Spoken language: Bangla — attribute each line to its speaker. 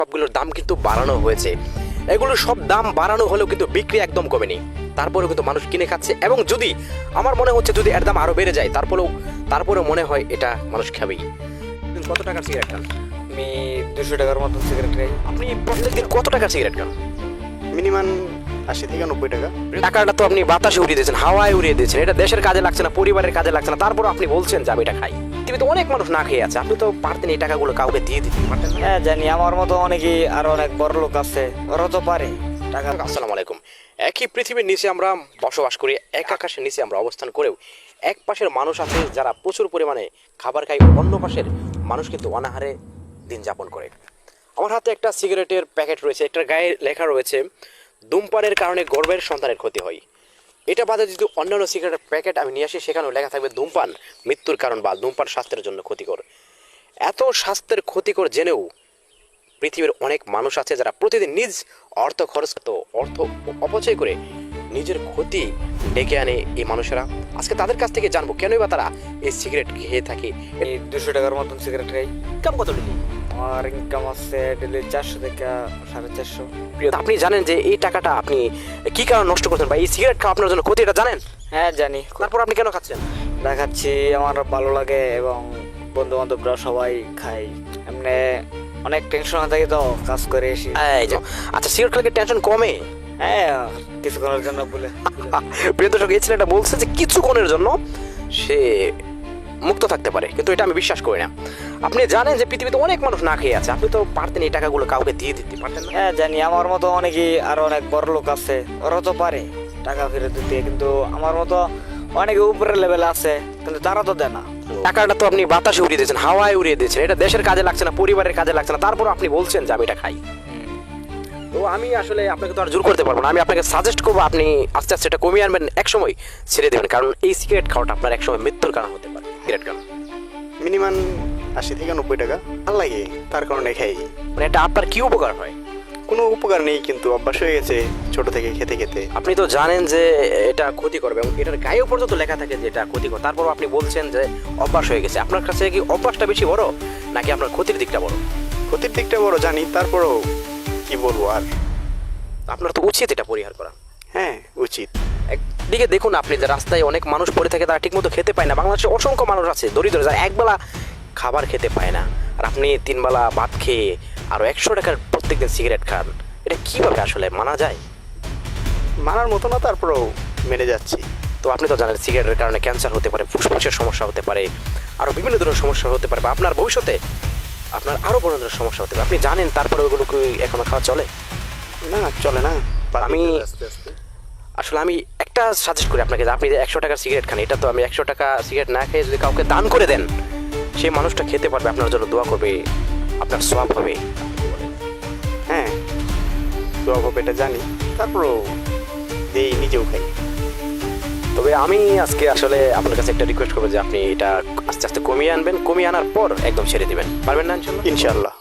Speaker 1: সবগুলোর দাম কিন্তু বাড়ানো হয়েছে। এগুলো সব দাম বাড়ানো হলেও কিন্তু বিক্রি একদম কমেনি, তারপরেও কিন্তু মানুষ কিনে খাচ্ছে। এবং যদি আমার মনে হচ্ছে যদি এর দাম আরও বেড়ে যায় তারপরেও মনে হয় এটা মানুষ খাবেই। কত টাকার সিগারেট খান?
Speaker 2: আমি 200 টাকার মতন সিগারেট খাই।
Speaker 1: আপনি প্রত্যেকদিন কত টাকার সিগারেট খান?
Speaker 3: মিনিমাম 80 থেকে 90 টাকা।
Speaker 1: টাকাটা তো আপনি বাতাসে উড়িয়ে দিয়েছেন, হাওয়ায় উড়িয়ে দিয়েছেন। এটা দেশের কাজে লাগছে না, পরিবারের কাজে লাগছে না, তারপর আপনি বলছেন যে আমি এটা খাই। পৃথিবীতে অনেক মানুষ না খেয়ে আছে, আপনি তো পারতেন এই টাকাগুলো কাউকে দিয়ে দিতে পারতেন না?
Speaker 2: হ্যাঁ জানি, আমার মতো অনেকেই আরো অনেক বড় লোক আছে, ওরা তো পারে টাকা।
Speaker 1: আসসালামু আলাইকুম। একই পৃথিবীর নিচে আমরা বসবাস করি, এক আকাশের নিচে আমরা অবস্থান করেও এক পাশের মানুষ আছে যারা প্রচুর পরিমাণে খাবার খায়, অন্য পাশের মানুষ কিন্তু অনাহারে দিন যাপন করে। আমার হাতে একটা সিগারেটের প্যাকেট রয়েছে, এটার গায়ে লেখা রয়েছে ধূমপানের কারণে গর্ভের সন্তানের ক্ষতি হয়। এটা বাদে যদি অন্যান্য সিগারেটের প্যাকেট আমি নিয়ে আসি, সেখানেও লেখা থাকবে ধূমপান মৃত্যুর কারণ বা ধূমপান স্বাস্থ্যের জন্য ক্ষতিকর। এত স্বাস্থ্যের ক্ষতিকর জেনেও পৃথিবীর অনেক মানুষ আছে যারা প্রতিদিন নিজ অর্থ অপচয় করে নিজের ক্ষতি ডেকে আনে এই মানুষেরা। আজকে তাদের কাছ থেকে জানবো কেনই বা তারা এই সিগারেট খেয়ে থাকে।
Speaker 2: আমি 200 টাকার মতন সিগারেট খাই।
Speaker 1: ইনকাম কত ডেলি?
Speaker 2: আমার ইনকাম আছে ডেলি 400 থেকে 450।
Speaker 1: আপনি জানেন যে এই টাকাটা আপনি কি কারণে নষ্ট করছেন বা এই সিগারেট খাওয়া আপনার জন্য ক্ষতি, এটা জানেন?
Speaker 2: হ্যাঁ জানি।
Speaker 1: তারপর আপনি কেন খাচ্ছেন?
Speaker 2: দেখাচ্ছি আমার ভালো লাগে এবং বন্ধু বান্ধবরা সবাই খাই। এমনি অনেক টেনশন থাকে তো কাজ করে এসে।
Speaker 1: এই যে আচ্ছা, সিগারেট খেলে টেনশন কমে?
Speaker 2: হ্যাঁ কিছুক্ষণের জন্য বলে।
Speaker 1: প্রিয় দর্শক, এই ছেলেটা বলছে যে কিছুক্ষণের জন্য সে মুক্ত থাকতে পারে, কিন্তু এটা আমি বিশ্বাস করি না। আপনি জানেন যে পৃথিবীতে অনেক মানুষ না খেয়ে আছে, আপনি তো পারতেন এই টাকাগুলো কাউকে দিয়ে দিতে পারতেন না?
Speaker 2: হ্যাঁ জানি, আমার মতো অনেকেই আরো অনেক বড় লোক আছে, ওরা তো পারে টাকা ফেরত দিতে, কিন্তু আমার মতো অনেকে উপরের লেভেল আছে কিন্তু তারা তো দেয় না।
Speaker 1: টাকাটা তো আপনি বাতাসে উড়িয়ে দিয়েছেন, হাওয়ায় উড়িয়ে দিয়েছেন। এটা দেশের কাজে লাগছে না, পরিবারের কাজে লাগছে না, তারপর আপনি বলছেন যে আমি এটা খাই। তো আমি আসলে আপনাকে তো আর জোর করতে পারবো না। আমি আপনাকে সাজেস্ট করবো আপনি আস্তে আস্তে এটা কমিয়ে আনবেন, একসময় ছেড়ে দেবেন, কারণ এই সিগারেট খাওয়াটা আপনার একসময় মৃত্যুর কারণ হতে পারে। সিগারেট খান
Speaker 3: মিনিমাম 80 থেকে 90 টাকা। ভালো লাগে, তার কারণে খাই।
Speaker 1: মানে এটা আপনার কি উপকার হয়?
Speaker 3: কোনো উপকার নেই, কিন্তু অভ্যাস হয়ে গেছে ছোট থেকে খেতে খেতে।
Speaker 1: আপনি তো জানেন যে এটা ক্ষতি করবে এবং এটার গায়েও পর্যন্ত লেখা থাকে যে এটা ক্ষতিকর, তারপর আপনি বলছেন যে অভ্যাস হয়ে গেছে। আপনার কাছে কি অভ্যাসটা বেশি বড় নাকি আপনার ক্ষতির দিকটা বড়?
Speaker 3: ক্ষতির দিকটা বড় জানি, তারপরও কি বলবো আর।
Speaker 1: আপনার তো উচিত এটা পরিহার করা।
Speaker 3: হ্যাঁ উচিত।
Speaker 1: একদিকে দেখুন আপনি যে রাস্তায় অনেক মানুষ পড়ে থাকে, তারা ঠিকমতো খেতে পায় না। বাংলাদেশে অসংখ্য মানুষ আছে দরিদ্র যারা একবেলা খাবার খেতে পায় না, আর আপনি 3 বেলা ভাত খেয়ে আরও 100 টাকার প্রত্যেকদিন সিগারেট খান। এটা কিভাবে আসলে মানা যায়?
Speaker 3: মানার মতো না, তারপরেও মেনে যাচ্ছি।
Speaker 1: তো আপনি তো জানেন সিগারেটের কারণে ক্যান্সার হতে পারে, ফুসফুসের সমস্যা হতে পারে, আরও বিভিন্ন ধরনের সমস্যা হতে পারে, বা আপনার ভবিষ্যতে আপনার আরও বড় ধরনের সমস্যা হতে পারে। আপনি জানেন, তারপরে ওইগুলো কি এখনো খাওয়া চলে?
Speaker 3: না চলে না।
Speaker 1: আসলে আমি একটা সাজেস্ট করি আপনাকে যে আপনি যে 100 টাকার সিগারেট খান, এটা তো আমি 100 টাকা সিগারেট না খেয়ে যদি কাউকে দান করে দেন, সেই মানুষটা খেতে পারবে, আপনার জন্য দোয়া করবে, আপনার সওয়াব হবে।
Speaker 3: হ্যাঁ দোয়া হবে এটা জানি, তারপরও দেই, নিজেও খাই।
Speaker 1: তবে আমি আজকে আসলে আপনার কাছে একটা রিকোয়েস্ট করবো যে আপনি এটা আস্তে আস্তে কমিয়ে আনবেন, কমিয়ে আনার পর একদম ছেড়ে দিবেন, পারবেন না?
Speaker 3: ইনশাল্লাহ।